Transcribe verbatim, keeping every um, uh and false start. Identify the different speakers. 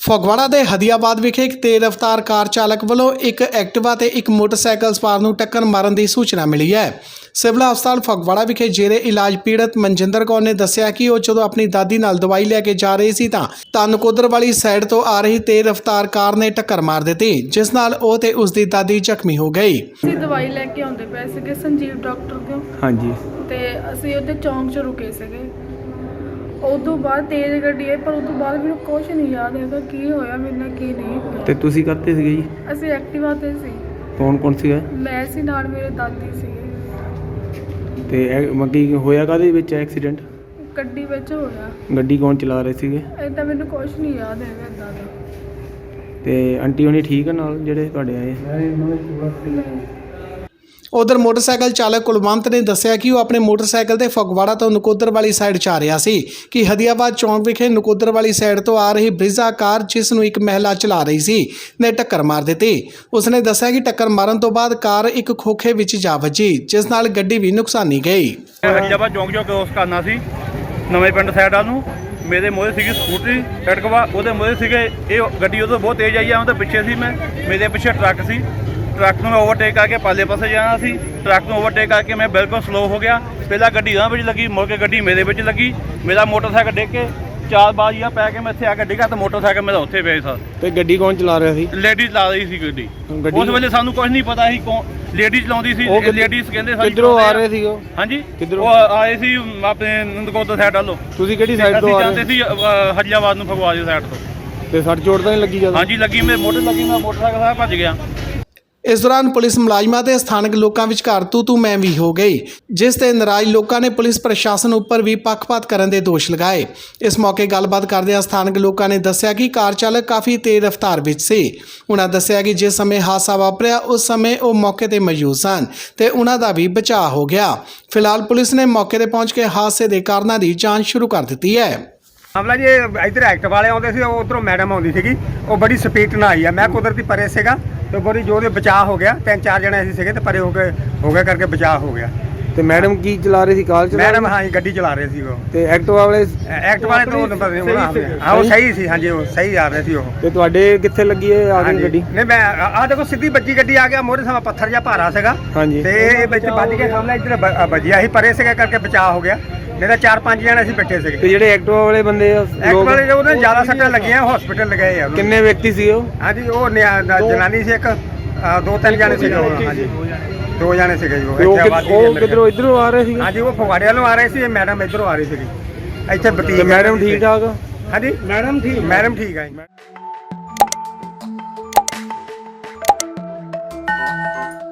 Speaker 1: ਫਗਵਾੜਾ ਦੇ ਹਦੀਆਬਾਦ ਵਿਖੇ ਇੱਕ ਤੇਜ਼ ਰਫ਼ਤਾਰ ਕਾਰ ਚਾਲਕ ਵੱਲੋਂ ਇੱਕ ਐਕਟਿਵਾ ਤੇ ਇੱਕ ਮੋਟਰਸਾਈਕਲ ਸਵਾਰ ਨੂੰ ਟੱਕਰ ਮਾਰਨ ਦੀ ਸੂਚਨਾ ਮਿਲੀ ਹੈ। ਸਿਵਲ ਹਸਪਤਾਲ ਫਗਵਾੜਾ ਵਿਖੇ ਜੇਰੇ ਇਲਾਜ ਪੀੜਤ ਮਨਜਿੰਦਰ ਕੌਰ ਨੇ ਦੱਸਿਆ ਕਿ ਉਹ ਜਦੋਂ ਆਪਣੀ ਦਾਦੀ ਨਾਲ ਦਵਾਈ ਲੈ ਕੇ ਜਾ ਰਹੀ ਸੀ ਤਾਂ ਤਾਂ ਨਕੋਦਰ ਵਾਲੀ ਸਾਈਡ ਤੋਂ ਆ ਰਹੀ ਤੇਜ਼ ਰਫ਼ਤਾਰ ਕਾਰ ਨੇ ਟੱਕਰ ਮਾਰ ਦਿੱਤੀ, ਜਿਸ ਨਾਲ ਉਹ ਤੇ ਉਸ ਦੀ ਦਾਦੀ ਜ਼ਖਮੀ ਹੋ ਗਈ।
Speaker 2: ਅਸੀਂ ਦਵਾਈ ਲੈ ਕੇ ਆਉਂਦੇ ਪਏ ਸੀਗੇ ਸੰਜੀਵ ਡਾਕਟਰ ਕੋਲ।
Speaker 3: ਹਾਂਜੀ।
Speaker 2: ਤੇ ਅਸੀਂ ਉੱਥੇ ਚੌਂਕ 'ਚ ਰੁਕੇ ਸੀਗੇ। ਉਦੋਂ ਬਾਅਦ ਤੇਜ਼ ਗੱਡੀ ਆਈ, ਪਰ ਉਦੋਂ ਬਾਅਦ ਮੈਨੂੰ ਕੁਝ ਨਹੀਂ ਯਾਦ ਹੈਗਾ ਕੀ ਹੋਇਆ ਮੇਰੇ ਨਾਲ ਕੀ ਨਹੀਂ ਹੋਇਆ।
Speaker 3: ਤੇ ਤੁਸੀਂ ਕਰਤੇ ਸੀਗੇ ਜੀ?
Speaker 2: ਅਸੀਂ ਐਕਟਿਵਾ ਤੇ ਸੀ।
Speaker 3: ਕੌਣ ਕੌਣ ਸੀਗਾ?
Speaker 2: ਮੈਂ ਸੀ, ਨਾਲ ਮੇਰੇ ਦਾਦੀ ਸੀਗੇ।
Speaker 3: ਤੇ ਇਹ ਮੱਗੀ ਹੋਇਆ ਕਾਹਦੇ ਵਿੱਚ ਐਕਸੀਡੈਂਟ?
Speaker 2: ਗੱਡੀ ਵਿੱਚ ਹੋਇਆ।
Speaker 3: ਗੱਡੀ ਕੌਣ ਚਲਾ ਰਹੇ ਸੀਗੇ?
Speaker 2: ਏਦਾਂ ਮੈਨੂੰ ਕੁਝ ਨਹੀਂ ਯਾਦ ਹੈਗਾ ਏਦਾਂ ਦਾ।
Speaker 3: ਤੇ ਆਂਟੀ ਹੋਣੀ ਠੀਕ ਆ ਨਾਲ ਜਿਹੜੇ ਤੁਹਾਡੇ ਆਏ?
Speaker 1: ਉਧਰ ਮੋਟਰਸਾਈਕਲ ਚਾਲਕ ਕੁਲਵੰਤ ਨੇ ਦੱਸਿਆ ਕਿ ਉਹ ਆਪਣੇ ਮੋਟਰਸਾਈਕਲ ਤੇ ਫਗਵਾੜਾ ਤੋਂ ਨਕੋਦਰ ਵਾਲੀ ਸਾਈਡ ਜਾ ਰਿਹਾ ਸੀ ਕਿ ਹਦੀਆਬਾਦ ਚੌਂਕ ਵਿਖੇ ਨਕੋਦਰ ਵਾਲੀ ਸਾਈਡ ਤੋਂ ਆ ਰਹੀ ਬ੍ਰਿਜ਼ਾ ਕਾਰ, ਜਿਸ ਨੂੰ ਇੱਕ ਮਹਿਲਾ ਚਲਾ ਰਹੀ ਸੀ, ਨੇ ਟੱਕਰ ਮਾਰ ਦਿੱਤੀ। ਉਸਨੇ ਦੱਸਿਆ ਕਿ ਟੱਕਰ ਮਾਰਨ ਤੋਂ ਬਾਅਦ ਕਾਰ ਇੱਕ ਖੋਖੇ ਵਿੱਚ ਜਾ ਵੱਜੀ, ਜਿਸ ਨਾਲ ਗੱਡੀ ਵੀ ਨੁਕਸਾਨੀ ਗਈ।
Speaker 4: ਹਦੀਆਬਾਦ ਚੌਂਕ ਚੋਂ ਕ੍ਰੋਸ ਕਰਨਾ ਸੀ ਨਵੇਂ ਪਿੰਡ ਸਾਈਡ ਵੱਲ ਨੂੰ। ਮੇਰੇ ਮੋਹਰੇ ਸੀਗੀ ਸਕੂਟਰੀ ਐਕਟਿਵਾ, ਉਹਦੇ ਮੋਹਰੇ ਸੀਗੇ ਇਹ ਗੱਡੀ, ਉਦੋਂ ਬਹੁਤ ਤੇਜ਼ ਆਈ ਆ, ਉਹਦੇ ਪਿੱਛੇ ਸੀ ਮੈਂ, ਮੇਰੇ ਪਿੱਛੇ ਟਰੱਕ ਸੀ। ਟਰੱਕ ਨੂੰ ਮੈਂ ਓਵਰਟੇਕ ਕਰਕੇ ਪਾਲੇ ਪਾਸੇ ਜਾਣਾ ਸੀ। ਟਰੱਕ ਨੂੰ ਓਵਰਟੇਕ ਕਰਕੇ ਮੈਂ ਬਿਲਕੁਲ ਸਲੋ ਹੋ ਗਿਆ। ਪਹਿਲਾਂ ਗੱਡੀ ਉਹਨਾਂ ਵਿੱਚ ਲੱਗੀ, ਮੁੜ ਕੇ ਗੱਡੀ ਮੇਰੇ ਵਿੱਚ ਲੱਗੀ। ਮੇਰਾ ਮੋਟਰਸਾਈਕਲ ਡਿੱਗ ਕੇ ਚਾਰ ਬਾਜ਼ੀਆਂ ਪੈ ਕੇ ਮੈਂ ਇੱਥੇ ਆ ਕੇ ਡਿੱਗਾ, ਤਾਂ ਮੋਟਰਸਾਈਕਲ ਮੇਰਾ ਉੱਥੇ ਪਿਆ ਸਰ।
Speaker 3: ਤੇ ਗੱਡੀ ਕੌਣ ਚਲਾ ਰਿਹਾ ਸੀ?
Speaker 4: ਲੇਡੀਜ਼ ਲਾ ਰਹੀ ਸੀ ਗੱਡੀ।
Speaker 3: ਗੱਡੀ
Speaker 4: ਉਸ ਵੇਲੇ ਸਾਨੂੰ ਕੁਝ ਨਹੀਂ ਪਤਾ ਸੀ ਕੌਣ ਲੇਡੀਜ਼ ਚਲਾਉਂਦੀ ਸੀ। ਲੇਡੀਜ਼ ਕਹਿੰਦੇ ਸਾਡੀ
Speaker 3: ਕਿੱਧਰੋਂ ਆ ਰਹੇ ਸੀ ਉਹ?
Speaker 4: ਹਾਂਜੀ,
Speaker 3: ਕਿੱਧਰੋਂ
Speaker 4: ਉਹ ਆਏ ਸੀ ਆਪਣੇ ਨੰਦਕੋਟ ਸਾਈਡ ਵੱਲੋਂ।
Speaker 3: ਤੁਸੀਂ ਕਿਹੜੀ ਸਾਈਡ ਤੋਂ ਆ ਰਹੇ
Speaker 4: ਸੀ? ਹਰੀਆਬਾਦ ਨੂੰ, ਫਗਵਾੜੇ ਸਾਈਡ ਤੋਂ।
Speaker 3: ਤੇ ਸੱਟ ਚੋਟ ਤਾਂ ਨਹੀਂ ਲੱਗੀ ਜਦੋਂ?
Speaker 4: ਹਾਂਜੀ ਲੱਗੀ, ਮੇਰੇ ਮੋਟਰ ਲੱਗੀ, ਮੈਂ ਮੋਟਰਸਾਈਕਲ ਸਾਰਾ ਭੱਜ ਗਿਆ।
Speaker 1: ਇਸ ਦੌਰਾਨ ਪੁਲਿਸ ਮੁਲਾਜ਼ਮਾਂ ਤੇ ਸਥਾਨਕ ਲੋਕਾਂ ਵਿਚਕਾਰ ਤੂ ਤੂ ਮੈਂ ਵੀ ਹੋ ਗਈ, ਜਿਸ ਤੇ ਨਾਰਾਜ਼ ਲੋਕਾਂ ਨੇ ਪੁਲਿਸ ਪ੍ਰਸ਼ਾਸਨ ਉੱਪਰ ਵੀ ਪੱਖਪਾਤ ਕਰਨ ਦੇ ਦੋਸ਼ ਲਗਾਏ। ਇਸ ਮੌਕੇ ਗੱਲਬਾਤ ਕਰਦਿਆਂ ਸਥਾਨਕ ਲੋਕਾਂ ਨੇ ਦੱਸਿਆ ਕਿ ਕਾਰ ਚਾਲਕ ਕਾਫੀ ਤੇਜ਼ ਰਫ਼ਤਾਰ ਵਿੱਚ ਸੀ। ਉਹਨਾਂ ਦੱਸਿਆ ਕਿ ਜਿਸ ਸਮੇਂ ਹਾਦਸਾ ਵਾਪਰਿਆ ਉਸ ਸਮੇਂ ਉਹ ਮੌਕੇ ਤੇ ਮੌਜੂਦ ਸਨ ਤੇ ਉਹਨਾਂ ਦਾ ਵੀ ਬਚਾਅ ਹੋ ਗਿਆ। ਫਿਲਹਾਲ ਪੁਲਿਸ ਨੇ ਮੌਕੇ ਤੇ ਪਹੁੰਚ ਕੇ ਹਾਦਸੇ ਦੇ ਕਾਰਨਾਂ ਦੀ ਜਾਂਚ ਸ਼ੁਰੂ ਕਰ ਦਿੱਤੀ ਹੈ।
Speaker 5: ਮਾਮਲਾ ਜੀ ਇੱਧਰ ਐਕਟਿਵ ਵਾਲੇ ਆਉਂਦੇ ਸੀ, ਉਧਰੋਂ ਮੈਡਮ ਆਉਂਦੀ ਸੀਗੀ, ਉਹ ਬੜੀ ਸਪੀਡ ਨਾਲ ਆਈ ਆ। ਮੈਂ ਕੁਦਰਤੀ ਪਰੇ ਸੀਗਾ ਤੇ ਬੜੀ ਜੋ ਦੇ ਬਚਾਅ ਹੋ ਗਿਆ। ਤਿੰਨ ਚਾਰ ਜਣੇ ਅਸੀਂ ਸੀਗੇ ਤੇ ਪਰੇ ਹੋ ਕੇ ਹੋ ਗਿਆ ਕਰਕੇ ਬਚਾਅ ਹੋ ਗਿਆ।
Speaker 3: ਤੇ ਮੈਡਮ ਕੀ ਚਲਾ ਰਹੀ ਸੀ? ਕਾਰ ਚਲਾ?
Speaker 5: ਮੈਡਮ ਹਾਂ ਗੱਡੀ ਚਲਾ ਰਹੇ ਸੀ ਉਹ।
Speaker 3: ਤੇ ਐਕਟਿਵਾ ਵਾਲੇ?
Speaker 5: ਐਕਟਿਵ ਵਾਲੇ ਤੋਂ ਨੰਬਰ ਹਾਂ ਉਹ ਸਹੀ ਸੀ। ਹਾਂਜੀ ਉਹ ਸਹੀ ਆ ਰਹੇ ਸੀ ਉਹ।
Speaker 3: ਤੇ ਤੁਹਾਡੇ ਕਿੱਥੇ ਲੱਗੀ ਹੈ ਆ ਗਈ ਗੱਡੀ?
Speaker 5: ਨਹੀਂ ਮੈਂ ਆਹ ਦੇਖੋ ਸਿੱਧੀ ਵੱਜੀ ਗੱਡੀ ਆ ਗਿਆ, ਮੋਰੇ ਸਮਾਂ ਪੱਥਰ ਜਿਹਾ ਭਾਰਾ ਸੀਗਾ।
Speaker 3: ਹਾਂਜੀ।
Speaker 5: ਤੇ ਇਹ ਵਿੱਚ ਵੱਜ ਕੇ ਸਾਹਮਣੇ ਇੱਧਰ ਵੱਜਿਆ ਸੀ, ਪਰੇ ਸੀਗਾ ਕਰਕੇ ਬਚਾਅ ਹੋ ਗਿਆ। ਨਹੀਂ ਤਾਂ ਚਾਰ ਪੰਜ ਜਣੇ ਅਸੀਂ ਬੈਠੇ ਸੀਗੇ।
Speaker 3: ਤੇ ਜਿਹੜੇ ਐਕਟਿਵਾ ਵਾਲੇ ਬੰਦੇ ਆ
Speaker 5: ਐਕਟਿਵ ਵਾਲੇ ਜੋ ਉਹਨਾਂ ਜ਼ਿਆਦਾ ਸੱਟਾਂ ਲੱਗੀਆਂ, ਹਸਪੀਟਲ ਲਗਾਏ ਆ।
Speaker 3: ਕਿੰਨੇ ਵਿਅਕਤੀ ਸੀ ਉਹ?
Speaker 5: ਹਾਂਜੀ ਉਹ ਜਨਾਨੀ ਸੀ ਇੱਕ, ਦੋ ਤਿੰਨ ਜਣੇ ਸੀਗੇ। ਹਾਂਜੀ ਦੋ ਜਣੇ ਸੀਗੇ ਜੀ ਉਹ।
Speaker 3: ਉਹ ਕਿੱਧਰੋਂ ਇੱਧਰੋਂ ਆ ਰਹੇ ਸੀ?
Speaker 5: ਹਾਂਜੀ ਉਹ ਫਗਵਾੜੇ ਵੱਲੋਂ ਆ ਰਹੇ ਸੀ, ਮੈਡਮ ਇੱਧਰੋਂ ਆ ਰਹੀ ਸੀਗੀ। ਇੱਥੇ ਬਤੀਕ।
Speaker 3: ਮੈਡਮ ਠੀਕ ਠਾਕ?
Speaker 5: ਹਾਂਜੀ ਮੈਡਮ ਠੀਕ, ਮੈਡਮ ਠੀਕ ਹੈ ਜੀ।